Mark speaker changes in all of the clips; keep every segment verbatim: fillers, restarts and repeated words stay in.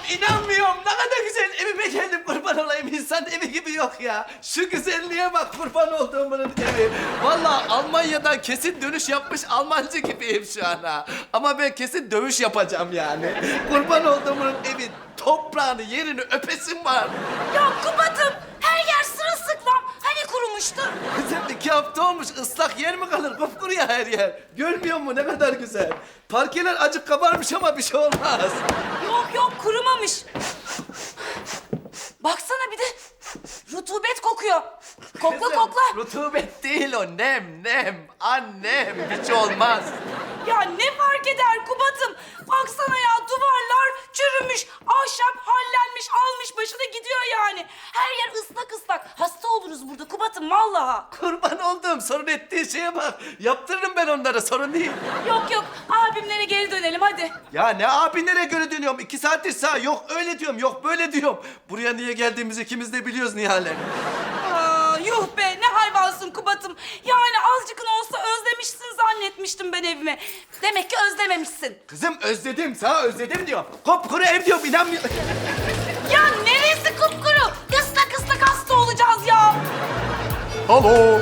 Speaker 1: inanmıyorum. Ne kadar güzel evime geldim, kurban olayım. İnsan evi gibi yok ya. Şu güzelliğe bak, kurban olduğumun evi. Vallahi Almanya'dan kesin dönüş yapmış Almancı gibiyim şu an ha. Ama ben kesin dövüş yapacağım yani. Kurban olduğumun evi, toprağını, yerini öpesim var.
Speaker 2: Ya Kubat'ım her yer sırılsıklam. Hani kurumuştu?
Speaker 1: Kızım iki hafta olmuş, ıslak yer mi kalır? Kupkuru ya her yer. Görmüyor musun ne kadar güzel? Parkeler acık kabarmış ama bir şey olmaz.
Speaker 2: Yok yok kurumamış. Baksana bir de rutubet kokuyor. Kokla
Speaker 1: Kızım,
Speaker 2: kokla.
Speaker 1: rutubet değil o, nem nem. Annem, hiç olmaz.
Speaker 2: Ya ne fark eder Kubat'ım? Baksana ya duvarlar çürümüş, ahşap hallenmiş, almış başını gidiyor yani. Her yer ıslak ıslak. Hasta oluruz burada Kubat'ım vallahi.
Speaker 1: Kurban olduğum, sorun ettiği şeye bak. Yaptırırım ben onlara, sorun değil.
Speaker 2: Yok yok abimlere geri dönelim hadi.
Speaker 1: Ya ne abinlere göre dönüyorum? İki saattir sağ, yok öyle diyorum, yok böyle diyorum. Buraya niye geldiğimizi ikimiz de biliyoruz Nihal'e.
Speaker 2: Aa, yuh be ne hayvansın Kubat'ım. Yani azıcıkın olsa özlemişsin zannetmiştim ben evimi. Demek ki özlememişsin.
Speaker 1: Kızım özledim, sağ özledim diyorum. Kupkuru ev diyorum, inanmıyor.
Speaker 2: Ya neresi kupkuru? Islak ıslak hasta olacağız ya.
Speaker 3: Alo.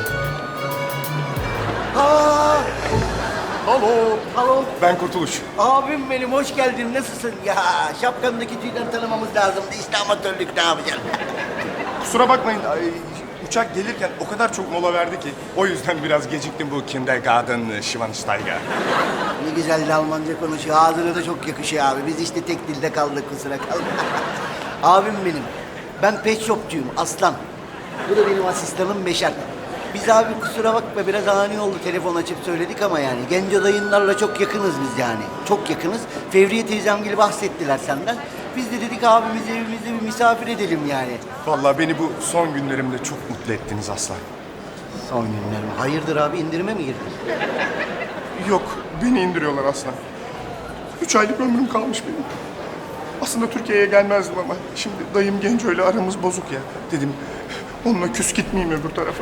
Speaker 4: Aa,
Speaker 3: Alo.
Speaker 4: alo.
Speaker 3: Ben Kurtuluş.
Speaker 4: Abim benim, hoş geldin. Nasılsın? Ya şapkandaki tüyden tanımamız lazımdı. İşte amatörlük, ne yapacağım?
Speaker 3: Kusura bakmayın. Ay, uçak gelirken o kadar çok mola verdi ki. O yüzden biraz geciktim bu Kindergarten Schwansteiger.
Speaker 4: Ne güzel de Almanca konuşuyor. Ağzına da çok yakışıyor abi. Biz işte tek dilde kaldık, kusura kalma. Abim benim. Ben pet shopçuyum, Aslan. Bu da benim asistanım Beşer. Biz abi kusura bakma, biraz ani oldu, telefon açıp söyledik ama yani. Genco dayınlarla çok yakınız biz yani. Çok yakınız. Fevriye teyzem gibi bahsettiler senden. Biz de dedik abimizi evimizde bir misafir edelim yani.
Speaker 3: Vallahi beni bu son günlerimde çok mutlu ettiniz Aslan.
Speaker 4: Son günlerim. Hayırdır abi, indirime mi girdin?
Speaker 3: Yok, beni indiriyorlar Aslan. Üç aylık ömrüm kalmış benim. Aslında Türkiye'ye gelmezdim ama şimdi dayım Genco ile aramız bozuk ya. Dedim onunla küs gitmeyeyim öbür tarafa.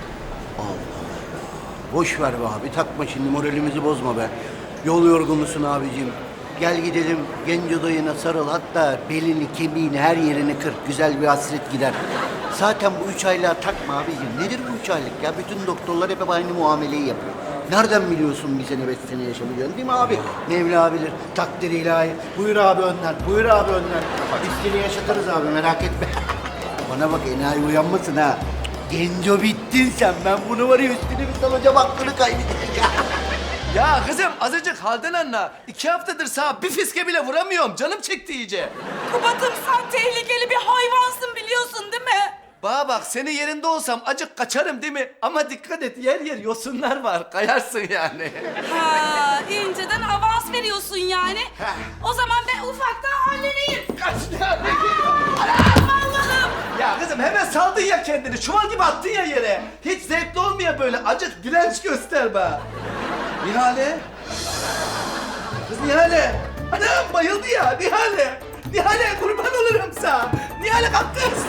Speaker 4: Boş ver be abi, takma şimdi, moralimizi bozma be. Yol yorgunusun abicim. Gel gidelim, Genco dayına sarıl, hatta belini, kemiğini, her yerini kır. Güzel bir hasret gider. Zaten bu üç aylığa takma abicim. Nedir bu üç aylık ya? Bütün doktorlar hep aynı muameleyi yapıyor. Nereden biliyorsun bir sene, beş sene yaşamayacaksın, değil mi abi? Mevla bilir, takdir ilahi. Buyur abi önden, buyur abi önden. Biz seni yaşatırız abi, merak etme. Bana bak, enayi uyanmasın ha. Genco bittin sen. Ben bunu var ya, üstüne bir salacağım, aklını kaybedecek ya.
Speaker 1: Ya kızım azıcık halden anla. İki haftadır sağ bir fiske bile vuramıyorum. Canım çekti iyice.
Speaker 2: Kubat'ım sen tehlikeli bir hayvansın biliyorsun değil mi?
Speaker 1: Bana bak, senin yerinde olsam acık kaçarım değil mi? Ama dikkat et, yer yer yosunlar var. Kayarsın yani.
Speaker 2: Ha, inceden avans veriyorsun yani. O zaman ben ufaktan halledeyim.
Speaker 1: Kaç tane
Speaker 2: Allah'ım.
Speaker 1: Ya kızım hemen saldın ya kendini. Çuval gibi attın ya yere. Hiç zevkli olmuyor böyle. Acık direnç göster be. Nihale. Kız Nihale. Anam bayıldı ya Nihale. Nihale kurban olurum sana. Nihale kalk kız.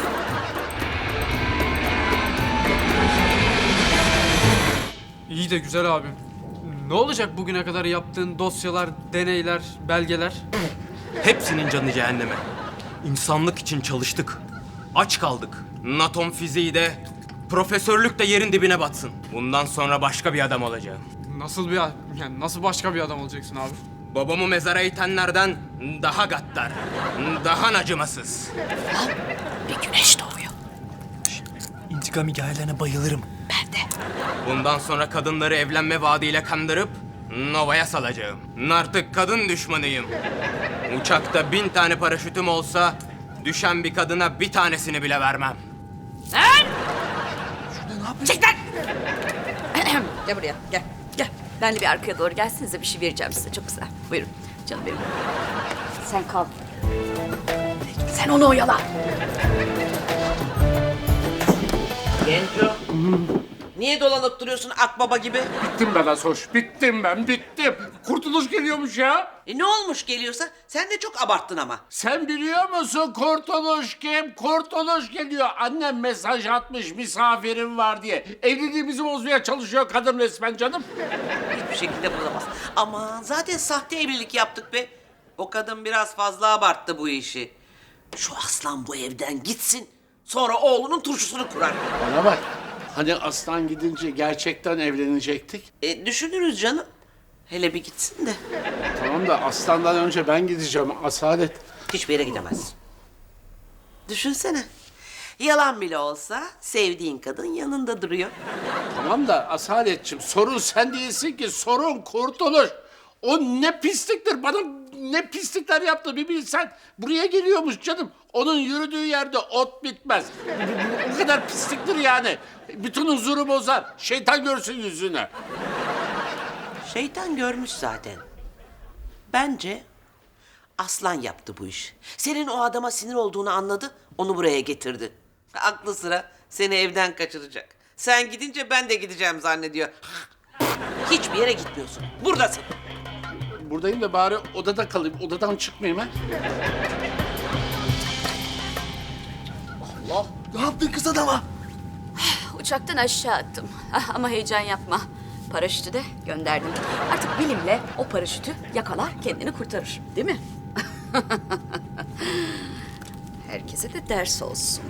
Speaker 5: İyi de güzel abim. Ne olacak bugüne kadar yaptığın dosyalar, deneyler, belgeler?
Speaker 6: Hepsinin canı cehenneme. İnsanlık için çalıştık. Aç kaldık. Atom fiziği de, profesörlük de yerin dibine batsın. Bundan sonra başka bir adam olacağım.
Speaker 5: Nasıl bir yani nasıl başka bir adam olacaksın abi?
Speaker 6: Babamı mezara itenlerden daha gaddar, daha acımasız.
Speaker 2: Bir güneş doğuyor.
Speaker 7: İntikam hikayelerine bayılırım.
Speaker 2: Ben de.
Speaker 6: Bundan sonra kadınları evlenme vaadiyle kandırıp Nova'ya salacağım. Artık kadın düşmanıyım. Uçakta bin tane paraşütüm olsa düşen bir kadına bir tanesini bile vermem.
Speaker 2: Lan! Çek lan! Gel buraya, gel. Gel. Benle bir arkaya doğru gelsenize, bir şey vereceğim size. Çok güzel. Buyurun. Canım benim. Sen kal. Sen onu oyala.
Speaker 8: Genco. Niye dolanıp duruyorsun akbaba gibi?
Speaker 9: Bittim ben Asoş, bittim ben, bittim. Kurtuluş geliyormuş ya.
Speaker 8: E ne olmuş geliyorsa? Sen de çok abarttın ama.
Speaker 9: Sen biliyor musun Kurtuluş kim? Kurtuluş geliyor. Annem mesaj atmış, misafirim var diye. Evliliğimizi bozmaya çalışıyor kadın resmen canım.
Speaker 8: Hiçbir şekilde bulamaz. Ama zaten sahte evlilik yaptık be. O kadın biraz fazla abarttı bu işi. Şu aslan bu evden gitsin. Sonra oğlunun turşusunu kurar.
Speaker 9: Bana bak. Hani aslan gidince gerçekten evlenecektik.
Speaker 8: E, düşünürüz canım. Hele bir gitsin de.
Speaker 9: Tamam da aslandan önce ben gideceğim Asalet.
Speaker 8: Hiçbir yere gidemezsin. Düşünsene. Yalan bile olsa sevdiğin kadın yanında duruyor.
Speaker 9: Tamam da Asaletciğim sorun sen değilsin ki, sorun Kurtuluş. O ne pisliktir, bana ne pislikler yaptı bir bilsen. Buraya geliyormuş canım. Onun yürüdüğü yerde ot bitmez. O kadar pisliktir yani. Bütün huzuru bozar. Şeytan görsün yüzünü.
Speaker 8: Şeytan görmüş zaten. Bence aslan yaptı bu işi. Senin o adama sinir olduğunu anladı, onu buraya getirdi. Aklı sıra seni evden kaçıracak. Sen gidince ben de gideceğim zannediyor. Hiçbir yere gitmiyorsun. Buradasın.
Speaker 9: Buradayım da bari odada kalayım. Odadan çıkmayayım ha.
Speaker 7: Ne yaptın kız adama?
Speaker 2: Uçaktan aşağı attım. Ah, ama heyecan yapma. Paraşütü de gönderdim. Artık bilimle o paraşütü yakalar, kendini kurtarır. Değil mi? Herkese de ders olsun.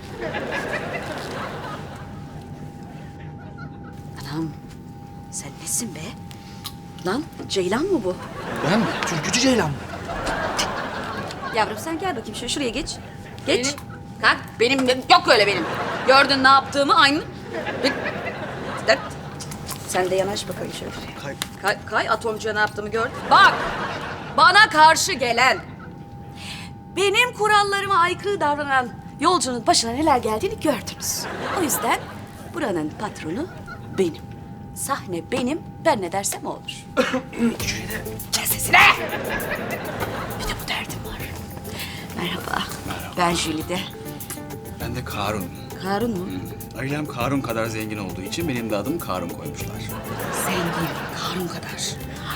Speaker 2: Anam, sen nesin be? Lan, Ceylan mı bu?
Speaker 7: Ben mi? Türkücü Ceylan mı?
Speaker 2: Yavrum sen gel bakayım şöyle şuraya geç. Geç. Kalk. Benim, benim- yok öyle benim. Gördün ne yaptığımı aynı. Bir- Dert. Sen de yanaş bakayım şöyle.
Speaker 7: Kay.
Speaker 2: Kay, kay atomcuya ne yaptığımı gördün. Bak. Bana karşı gelen, benim kurallarıma aykırı davranan yolcunun başına neler geldiğini gördünüz. O yüzden buranın patronu benim. Sahne benim. Ben ne dersem o olur. Kes sesine. Bir de bu derdim var. Merhaba. Ben Jülide.
Speaker 10: Ben de Karun.
Speaker 2: Karun mu?
Speaker 10: Ailem Karun kadar zengin olduğu için benim de adım Karun koymuşlar.
Speaker 2: Zengin. Karun kadar.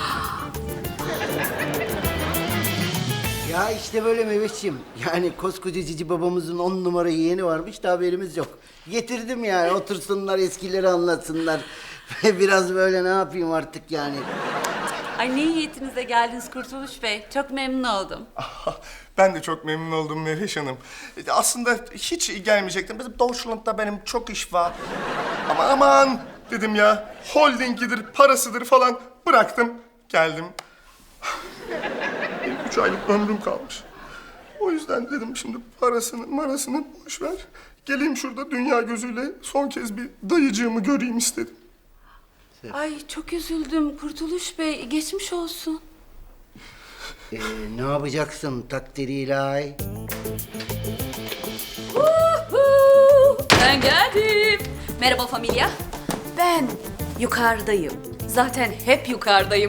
Speaker 4: Ya işte böyle Mehmetciğim. Yani koskoca cici babamızın on numara yeğeni varmış da haberimiz yok. Getirdim yani otursunlar eskileri anlatsınlar. Biraz böyle ne yapayım artık yani.
Speaker 2: Ay ne niyetinize geldiniz Kurtuluş Bey. Çok memnun oldum.
Speaker 3: Ben de çok memnun oldum Mehveş Hanım. E, Aslında hiç gelmeyecektim. Bizim Deutschland'da benim çok iş var. Ama aman dedim ya. Holdingidir, parasıdır falan bıraktım. Geldim. Benim üç aylık ömrüm kalmış. O yüzden dedim şimdi parasını marasını boş ver. Geleyim şurada dünya gözüyle son kez bir dayıcığımı göreyim istedim.
Speaker 2: Ay çok üzüldüm Kurtuluş Bey. Geçmiş olsun.
Speaker 4: Ee, ne yapacaksın takdiri ilahi?
Speaker 2: Ben geldim. Merhaba familya. Ben yukarıdayım. Zaten hep yukarıdayım.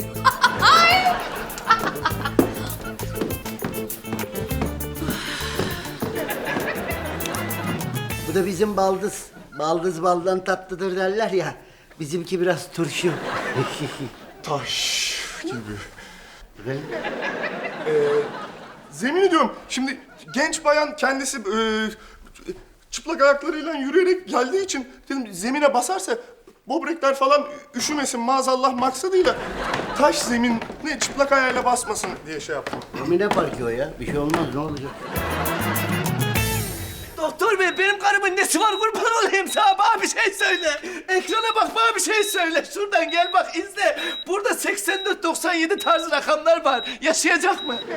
Speaker 4: Bu da bizim baldız. Baldız baldan tatlıdır derler ya. Bizimki biraz turşu.
Speaker 3: Taş gibi.
Speaker 4: Efendim?
Speaker 3: Zemin ediyorum. Şimdi genç bayan kendisi e, çıplak ayaklarıyla yürüyerek geldiği için dedim zemine basarsa böbrekler falan üşümesin maazallah maksadıyla taş zemin ne çıplak ayağıyla basmasın diye şey yaptım.
Speaker 4: Emine Parkı o ya. Bir şey olmaz ne olacak?
Speaker 1: Doktor bey benim karımın nesi var kurban olayım sana bana bir şey söyle. Ekrana bak bana bir şey söyle. Şuradan gel bak izle. Burada seksen dört doksan yedi tarzı rakamlar var. Yaşayacak mı?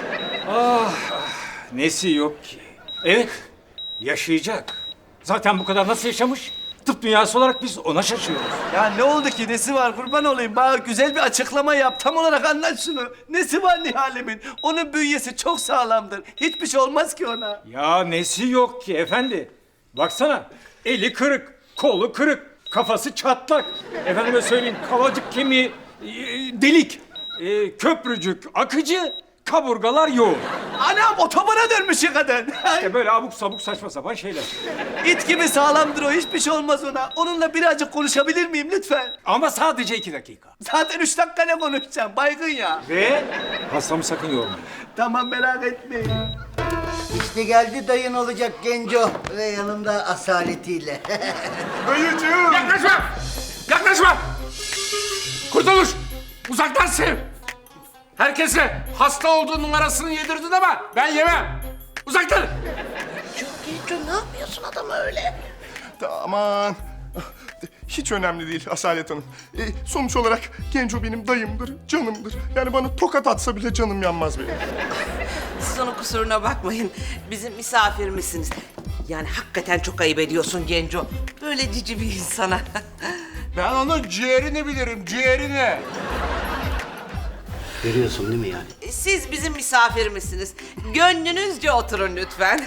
Speaker 11: Nesi yok ki? Evet, yaşayacak. Zaten bu kadar nasıl yaşamış? Tıp dünyası olarak biz ona şaşıyoruz.
Speaker 1: Ya ne oldu ki nesi var kurban olayım. Bana güzel bir açıklama yap. Tam olarak anlat şunu. Nesi var Nihal'imin? Onun bünyesi çok sağlamdır. Hiçbir şey olmaz ki ona.
Speaker 11: Ya nesi yok ki efendi? Baksana, eli kırık, kolu kırık, kafası çatlak. Efendime söyleyeyim, kavacık kemiği e, delik, e, köprücük akıcı, kaburgalar yoğun.
Speaker 1: Anam otobana dönmüş ya kadın.
Speaker 11: İşte böyle abuk sabuk saçma sapan şeyler.
Speaker 1: İt gibi sağlamdır o. Hiçbir şey olmaz ona. Onunla birazcık konuşabilir miyim lütfen?
Speaker 11: Ama sadece iki dakika.
Speaker 1: Zaten üç dakika ne konuşacağım? Baygın ya.
Speaker 11: Ve hastamı sakın yormayın.
Speaker 1: Tamam merak etmeyin.
Speaker 4: İşte geldi dayın olacak Genco ve yanında asaletiyle.
Speaker 3: Dayıcığım.
Speaker 9: Yaklaşma! Yaklaşma! Kurtuluş! Uzaktan sev! Herkese hasta olduğu numarasını yedirdin ama ben yemem. Uzak dur!
Speaker 8: Çok Genco, ne yapıyorsun adamı öyle?
Speaker 3: Aman. Hiç önemli değil Asalet Hanım. E, sonuç olarak Genco benim dayımdır, canımdır. Yani bana tokat atsa bile canım yanmaz benim.
Speaker 8: Siz onun kusuruna bakmayın. Bizim misafirimizsiniz. Yani hakikaten çok ayıp ediyorsun Genco. Böyle cici bir insana.
Speaker 9: Ben onun ciğerini bilirim, ciğerini.
Speaker 4: Görüyorsun değil mi yani?
Speaker 8: Siz bizim misafirimizsiniz. Gönlünüzce oturun lütfen.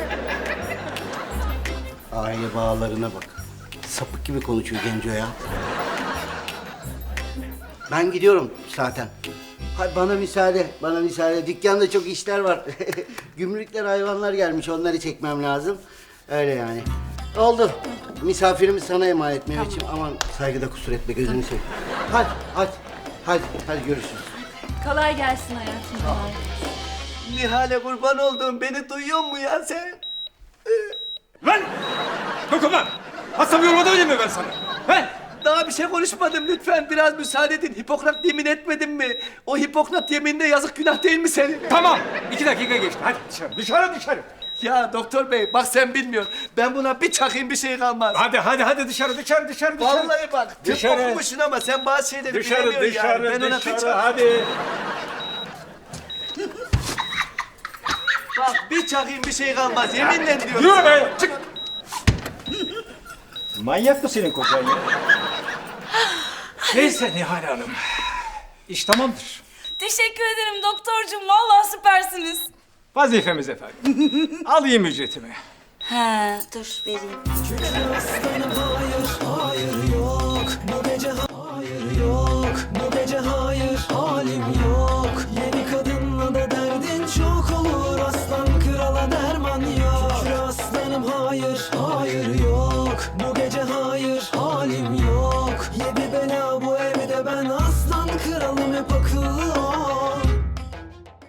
Speaker 4: Aile bağlarına bak. Sapık gibi konuşuyor Genco ya. Ben gidiyorum zaten. Hay bana müsaade, bana müsaade. Dükkanda çok işler var. Gümrükler hayvanlar gelmiş, onları çekmem lazım. Öyle yani. Oldu. Misafirimi sana emanet Mehmetciğim. Aman saygıda kusur etme, gözünü seveyim. Hadi, hadi. Hadi, hadi görüşürüz.
Speaker 2: Kolay gelsin hayatım.
Speaker 1: Nihal'e kurban olduğum beni duyuyor mu ya sen?
Speaker 11: Lan! Dokunma! Hastamı yormadan önce mi ben sana? He?
Speaker 1: Daha bir şey konuşmadım lütfen biraz müsaade edin. Hipokrat yemin etmedin mi? O Hipokrat yemininde yazık günah değil mi senin?
Speaker 11: Tamam. İki dakika geçti. Hadi dışarı, dışarı, dışarı.
Speaker 1: Ya doktor bey bak sen bilmiyorsun. Ben buna bir çakayım bir şey kalmaz.
Speaker 11: Hadi, hadi, hadi dışarı, dışarı, dışarı, dışarı.
Speaker 1: Vallahi bak tıp
Speaker 11: Dışarı.
Speaker 1: okumuşsun ama sen bazı şeyleri
Speaker 11: Dışarı,
Speaker 1: bilemiyorsun
Speaker 11: dışarı,
Speaker 1: yani. Ben ona bir
Speaker 11: dışarı,
Speaker 1: çak...
Speaker 11: hadi.
Speaker 1: Bak bir çakayım bir şey kalmaz yeminle diyorum.
Speaker 11: Yürü be, çık. Manyak mı senin kocan ya? Neyse Nihal Hanım. İş tamamdır.
Speaker 2: Teşekkür ederim doktorcum. Vallahi süpersiniz.
Speaker 11: Vazifemiz efendim. Alayım ücretimi.
Speaker 2: He, dur vereyim.
Speaker 7: Hayır yok bu gece, hayır yok bu gece, hayır halim yok. Yeni kadınla da derdin çok olur, aslan krala derman yok. Şükür aslanım, hayır hayır yok bu gece, hayır halim yok. Yedi bela bu evde, ben aslan kralım, hep akıllı